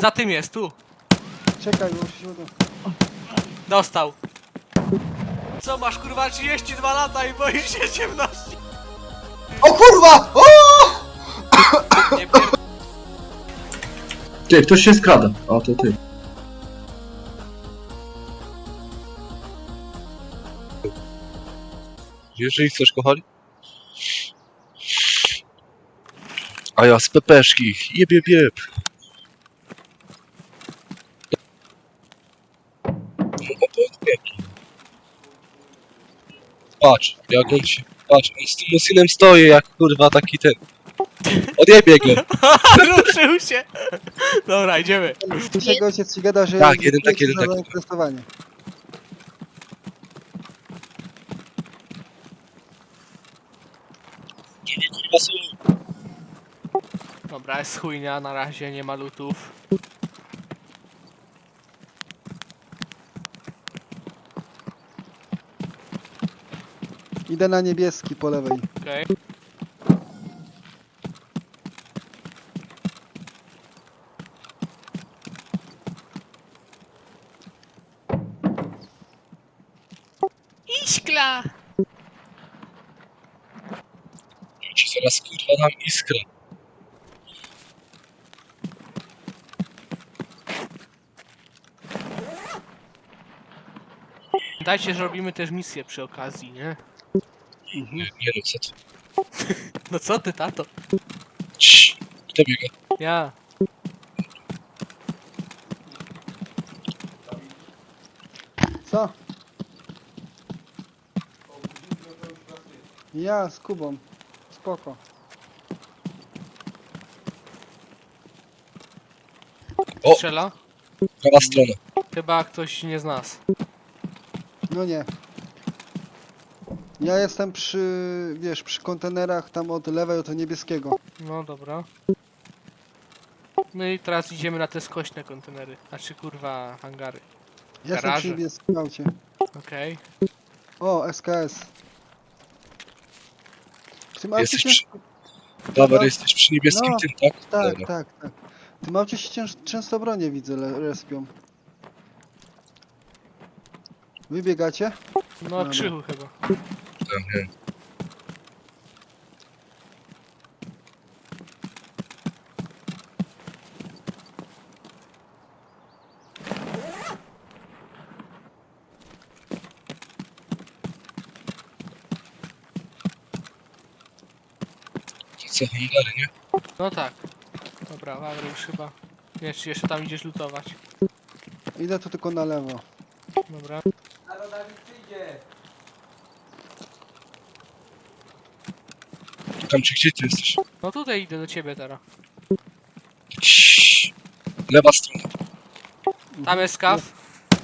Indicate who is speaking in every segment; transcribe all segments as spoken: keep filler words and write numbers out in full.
Speaker 1: za tym jest, tu.
Speaker 2: Czekaj, bo muszę się uda.
Speaker 1: Dostał. Co masz kurwa trzydzieści dwa lata i boisz się ciemności?
Speaker 2: O kurwa! O!
Speaker 1: Nie pier...
Speaker 3: Ty, ktoś się skrada. O, to ty.
Speaker 4: Jeżeli chcesz, kochani. A ja z pepeszki. Jeb, jeb, jeb. Patrz, jak on się... Patrz, on z tym Musinem stoi jak kurwa taki ten. Odjebie go.
Speaker 1: Ruszył się. Dobra, idziemy.
Speaker 2: Słyszę, ojciec ci gada, że...
Speaker 4: Tak, jeden taki, jeden
Speaker 2: za
Speaker 4: taki.
Speaker 2: zainteresowanie.
Speaker 4: Kurwa są.
Speaker 1: Dobra, jest chujnia, na razie nie ma lutów.
Speaker 2: Idę na niebieski po lewej.
Speaker 1: Okej. Iskla!
Speaker 4: Ja ci zaraz kurwa dam iskrę.
Speaker 1: Dajcie, że robimy też misję przy okazji, nie?
Speaker 4: Nie, nie no, co ty.
Speaker 1: No co ty, tato?
Speaker 4: Cii. Kto biega?
Speaker 1: Ja.
Speaker 2: Co? Ja z Kubą. Spoko.
Speaker 4: O!
Speaker 1: Strzela?
Speaker 4: Prawa strona.
Speaker 1: Chyba ktoś nie z nas.
Speaker 2: No nie. Ja jestem przy, wiesz, przy kontenerach tam od lewej, od niebieskiego.
Speaker 1: No dobra. No i teraz idziemy na te skośne kontenery. Znaczy kurwa hangary.
Speaker 2: Ja jestem
Speaker 1: Garaże.
Speaker 2: przy niebieskim aucie.
Speaker 1: Okej.
Speaker 2: O, S K S. W tym aucie
Speaker 4: Jesteś
Speaker 2: się...
Speaker 4: przy... Dobra,
Speaker 2: No.
Speaker 4: jesteś przy niebieskim
Speaker 2: No.
Speaker 4: tym, tak?
Speaker 2: Tak,
Speaker 4: Dobra.
Speaker 2: tak, tak. W tym aucie się cięż... często bronie widzę, le- respią. Wybiegacie?
Speaker 1: No
Speaker 2: Dobra.
Speaker 1: krzychu chyba.
Speaker 4: Tak, nie. To co, hangary, nie?
Speaker 1: No tak. Dobra, Wawry już chyba. Nie, czy jeszcze tam idziesz lutować.
Speaker 2: Idę tu tylko na lewo.
Speaker 1: Dobra.
Speaker 4: Tam czy gdzie ty jesteś?
Speaker 1: No tutaj idę do ciebie teraz.
Speaker 4: Cii. Lewa strona.
Speaker 1: Tam jest skaw.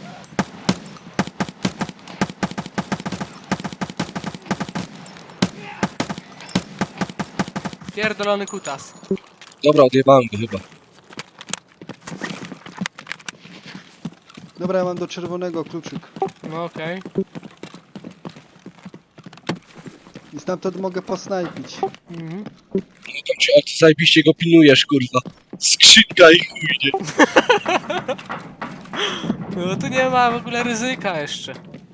Speaker 1: Pierdolony kutas.
Speaker 4: Dobra, odjebałem go chyba.
Speaker 2: Dobra, ja mam do czerwonego kluczyk.
Speaker 1: No okej.
Speaker 2: I stamtąd mogę posnajpić.
Speaker 1: Mhm.
Speaker 4: No tam cię, a ty zajebiście go pilnujesz, kurwa. Skrzynka i chujnie.
Speaker 1: No tu nie ma w ogóle ryzyka jeszcze.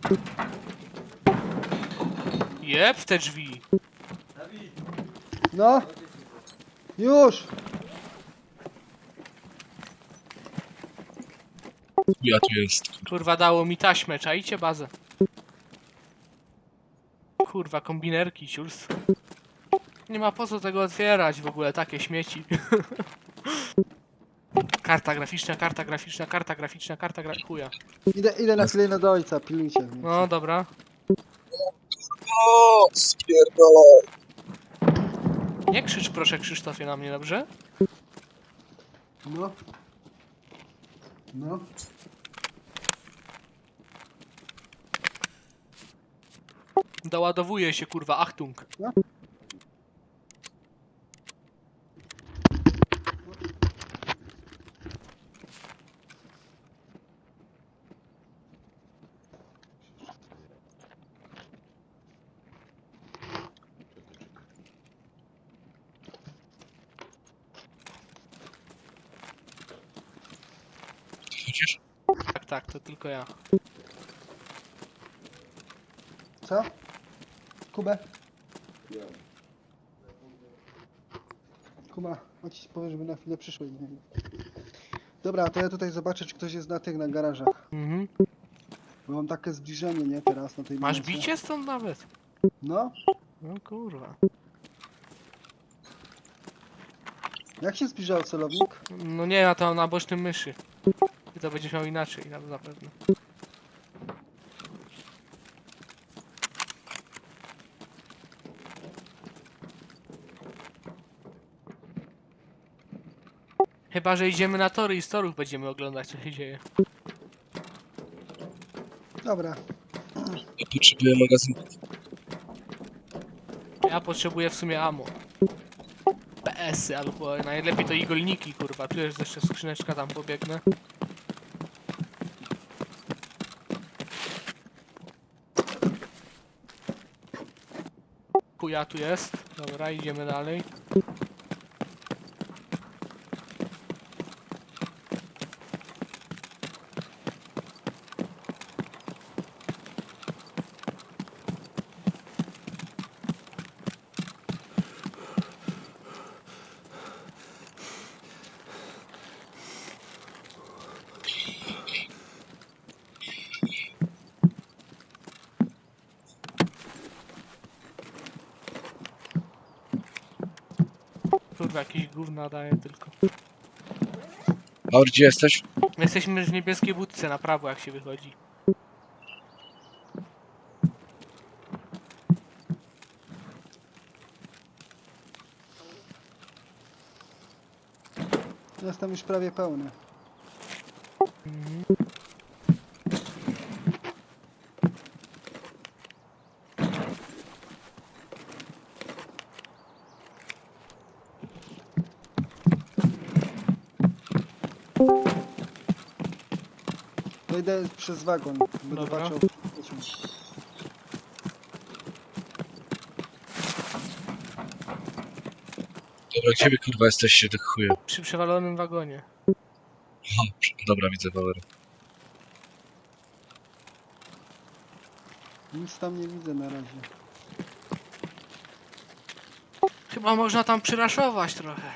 Speaker 1: Jeb w te drzwi.
Speaker 2: No! Już!
Speaker 4: Ja tu jest.
Speaker 1: Kurwa dało mi taśmę, czajcie bazę. Kurwa, kombinerki, ciurs. Nie ma po co tego otwierać w ogóle, takie śmieci. Karta graficzna, karta graficzna, karta graficzna, karta gra... chuja.
Speaker 2: Idę, idę na chwilę do ojca, pilnujcie mnie.
Speaker 1: No dobra.
Speaker 4: O, spierdolę.
Speaker 1: Nie krzycz proszę Krzysztofie na mnie, dobrze?
Speaker 2: No. No.
Speaker 1: Doładowuje się kurwa, Achtung.
Speaker 2: No.
Speaker 4: Chodzisz?
Speaker 1: Tak, tak, to tylko ja.
Speaker 2: Co? Kubę? Kuba, chodź powiem, żeby na chwilę przyszło. Dobra, to ja tutaj zobaczę, czy ktoś jest na tych, na garażach.
Speaker 1: Mhm.
Speaker 2: Bo mam takie zbliżenie, nie? Teraz na tej
Speaker 1: Masz
Speaker 2: minusie.
Speaker 1: bicie stąd nawet?
Speaker 2: No?
Speaker 1: No kurwa.
Speaker 2: Jak się zbliżał celownik?
Speaker 1: No nie, ja to mam na bocznym myszy. I to będziesz miał inaczej, na na pewno. Chyba, że idziemy na tory i z torów będziemy oglądać, co się dzieje.
Speaker 2: Dobra.
Speaker 4: Ja potrzebuję magazynków.
Speaker 1: Ja potrzebuję w sumie ammo. P S y albo najlepiej to igolniki, kurwa. Tu jest jeszcze skrzyneczka, tam pobiegnę. Chuja tu jest. Dobra, idziemy dalej. Kurwa, jakieś gówna daje tylko.
Speaker 4: Maur, gdzie jesteś?
Speaker 1: My jesteśmy w niebieskiej budce na prawo, jak się wychodzi.
Speaker 2: Jestem już prawie pełny.
Speaker 1: Mhm.
Speaker 2: To idę przez wagon. Będę
Speaker 1: Dobra.
Speaker 2: patrzał.
Speaker 4: Dobra, gdzie wy kurwa jesteście, tych chuje?
Speaker 1: Przy przewalonym wagonie.
Speaker 4: Aha, dobra, widzę Power.
Speaker 2: Nic tam nie widzę na razie.
Speaker 1: Chyba można tam przyraszować trochę.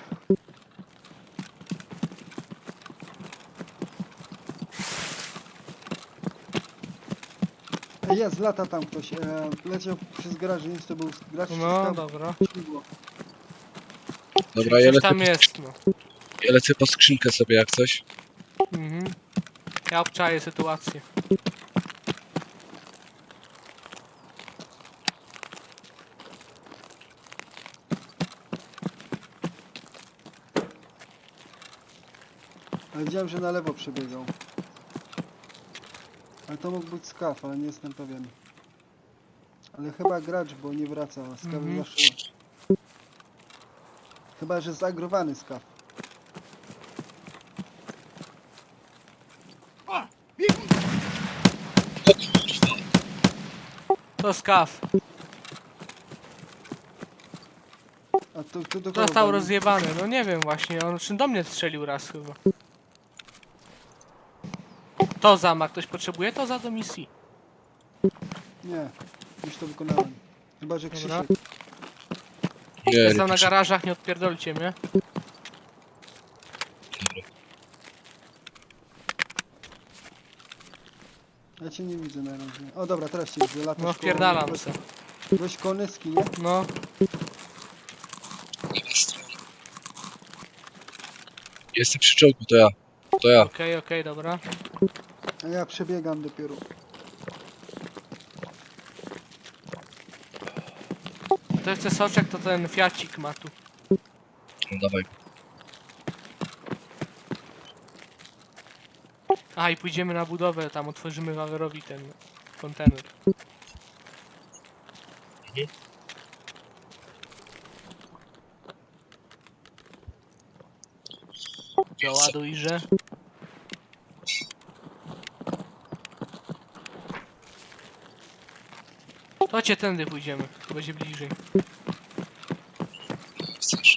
Speaker 2: E, Jest, lata tam ktoś. E, leciał przez garaż, nie wiem, czy to był gracz czy
Speaker 1: No,
Speaker 2: skał-
Speaker 1: dobra.
Speaker 2: śmigło.
Speaker 4: Dobra, ja
Speaker 1: Coś
Speaker 4: lecę,
Speaker 1: tam
Speaker 4: po,
Speaker 1: jest, no.
Speaker 4: ja lecę po skrzynkę sobie jak coś.
Speaker 1: Mhm. Ja obczaję sytuację.
Speaker 2: Ale widziałem, że na lewo przebiegał. Ale to mógł być skaw, ale nie jestem pewien. Ale chyba gracz, bo nie wraca. a Skawy
Speaker 1: Mhm.
Speaker 2: zawsze... Chyba, że zagrowany skaw.
Speaker 1: To skaw.
Speaker 2: A to, to do kogo
Speaker 1: Został
Speaker 2: walił?
Speaker 1: rozjebany. No nie wiem właśnie, on czym do mnie strzelił raz chyba. To za ma ktoś potrzebuje? To za do misji.
Speaker 2: Nie, już to wykonałem. Chyba, że
Speaker 1: Dobra.
Speaker 2: Krzysiek.
Speaker 4: Nie, nie,
Speaker 1: Jestem na
Speaker 4: proszę.
Speaker 1: garażach, nie odpierdolcie mnie.
Speaker 2: Ja cię nie widzę na razie. O dobra, teraz cię widzę. Latasz
Speaker 1: No
Speaker 2: koło-
Speaker 1: wpierdalam se.
Speaker 2: Dość konyski, nie?
Speaker 1: No.
Speaker 4: Jestem przy czołgu, to ja. To ja.
Speaker 1: Okej, okej, dobra.
Speaker 2: A ja przebiegam dopiero.
Speaker 1: To chce soczek, to ten fiacik ma tu.
Speaker 4: No dawaj.
Speaker 1: A i pójdziemy na budowę, tam otworzymy Wawerowi ten kontener. Doładujże. To cię tędy pójdziemy, to będzie bliżej.
Speaker 4: Chcesz.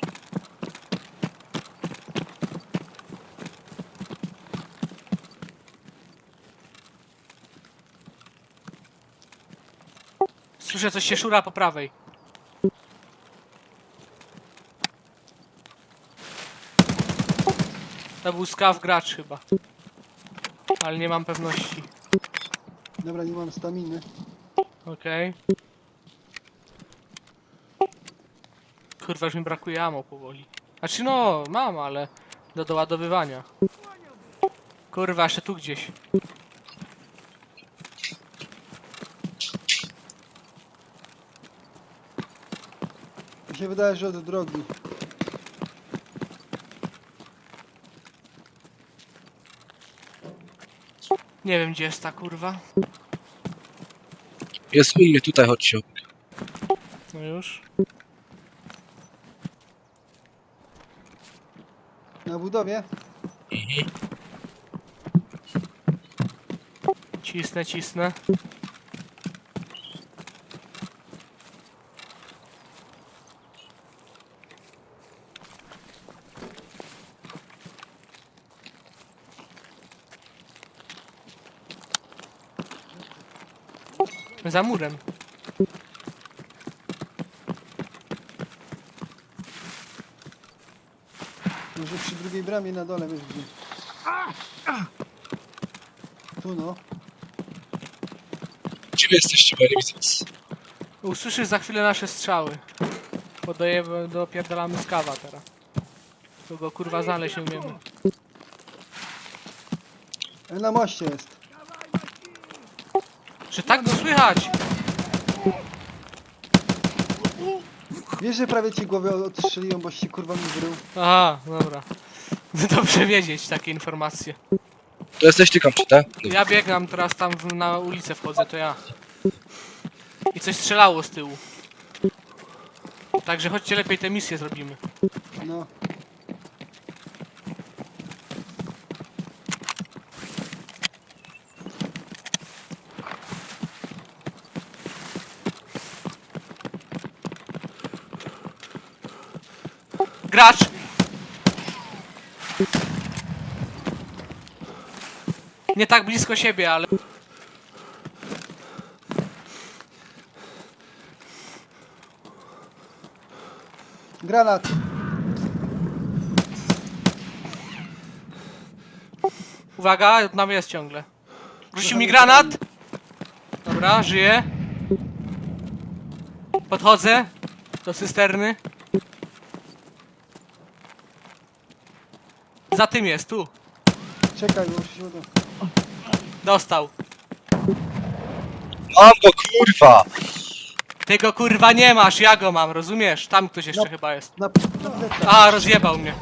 Speaker 1: Słyszę, coś się szura po prawej. To był skaw gracz chyba. Ale nie mam pewności.
Speaker 2: Dobra, nie mam staminy.
Speaker 1: Okej. Kurwa, już mi brakuje ammo powoli. Znaczy no, mam, ale do doładowywania. Kurwa, jeszcze tu gdzieś.
Speaker 2: Mi się wydaje, że od drogi.
Speaker 1: Nie wiem, gdzie jest ta kurwa.
Speaker 4: Jest u mnie, tutaj chodźcie.
Speaker 1: No już.
Speaker 2: Na budowie?
Speaker 1: Cisnę, cisnę. Za murem.
Speaker 2: Może przy drugiej bramie na dole, wiesz gdzie. Tu no.
Speaker 4: Gdzie wy jesteście, bo ja nie widzę was.
Speaker 1: Usłyszysz za chwilę nasze strzały. Podajemy, dopierdalamy z kawa teraz. Tu go kurwa znaleźć nie umiemy.
Speaker 2: E, Na moście jest.
Speaker 1: Że tak go słychać!
Speaker 2: Wiesz, że prawie ci głowę odstrzeliłem, bo ci kurwa mi wrył.
Speaker 1: Aha, dobra. Dobrze wiedzieć takie informacje.
Speaker 4: To jesteś ty, Kamczy, tak? No.
Speaker 1: Ja biegam teraz tam w, na ulicę wchodzę, to ja. I coś strzelało z tyłu. Także chodźcie lepiej tę misję zrobimy.
Speaker 2: No.
Speaker 1: Gracz! Nie tak blisko siebie, ale...
Speaker 2: Granat.
Speaker 1: Uwaga, nam jest ciągle. Rzucił mi granat! Dobra, żyję. Podchodzę do cysterny. Za tym jest, tu.
Speaker 2: Czekaj, bo muszę się uda.
Speaker 1: Dostał.
Speaker 4: Mam go, kurwa!
Speaker 1: Ty go kurwa nie masz, ja go mam, rozumiesz? Tam ktoś jeszcze
Speaker 2: No.
Speaker 1: chyba jest.
Speaker 2: Na, na plecach.
Speaker 1: A, rozjebał mnie.